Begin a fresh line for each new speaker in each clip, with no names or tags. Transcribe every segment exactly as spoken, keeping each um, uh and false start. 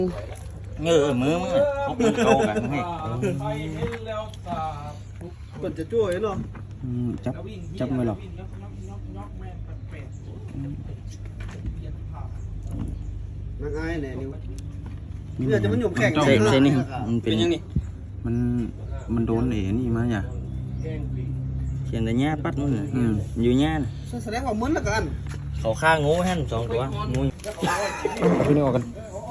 เงือมือมือเขาเป็นโตกันให้
ก่อนจะช่วยเนาะ
จับจับไม่หรอก
นักไอ้เนี่ยนิวเพื่อจะมันหยุ่มแข่ง
เซ่เซ่นี่มันเป็น
ยังนี่
มันมันโดนเอ๋นี่มาอย่า
เขียนแต่หญ้าปัดมืออืมอยู่หญ้า
แสดงว่ามึนละกัน
เขาฆ่างูฮั่นสองตัวงู
เอาพี่นี่ออกกัน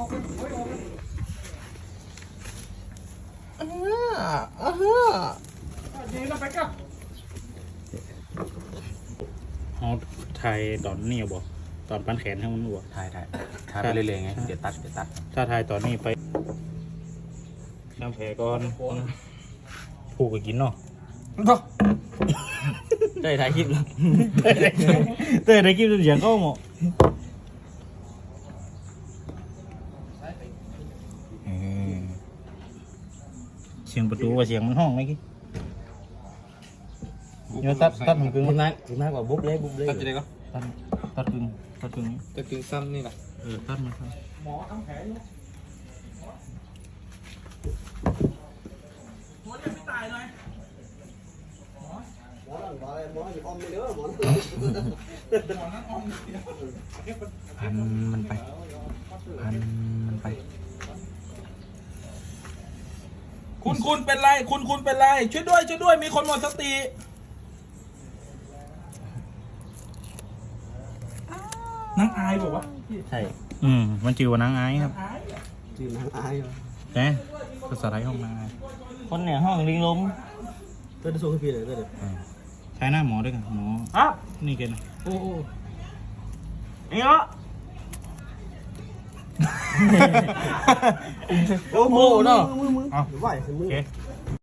เขาถ่ายตอนนี้บ่ตอนปั้นแขนให้มันบ่
ถ่ายถ่ายถ่ายไปเรื่อยๆไงเดี๋ยวตัดเดี๋ยวตัด
ถ้าถ่ายตอนนี้ไปน้ำแผลก่อนผูกไปกินเนาะ
ได้ถ่ายคลิปแล้ว
เต้ได้คลิปเสียงเข้าหมดเสียงประตูว่าเสียงมันห้องไหมกี้เดี๋ยวตัดตัดมันกึ่ง
คุณนักคุณนักว่าบุ๊บเลยบุ๊บเลย
ตัดจะได้ก็
ตัดตัดกึ่งตัดกึ่ง
จะกินซ้ำนี่แหละ
เออตัดมันครับ
หมอหลังหมออะไรหมออยู่ออมไม่เด้อหมอ
พันมันไปพันมันไป
คุณคุณเป็นไร คุณคุณเป็นไร ช่วยด้วยช่วยด้วยมีคนหมดสตินางอายบอกว่า
ใช่
อืมมันจือว่านางไอ้ครับ
จีนนักไอ้
แกภาษาไทยห้องนางไอ้
คนเนี่ยห้องลิงลม
เต้นโซ่ขึ้นพี่เลยเต้น
ใช้หน้าหมอด้วยกันหมอ
อ่ะ
นี่กัน
โอ้โห
นี่เหรอ
โอ้โหเนาะมือมือไหวมื
โอ
อ
เค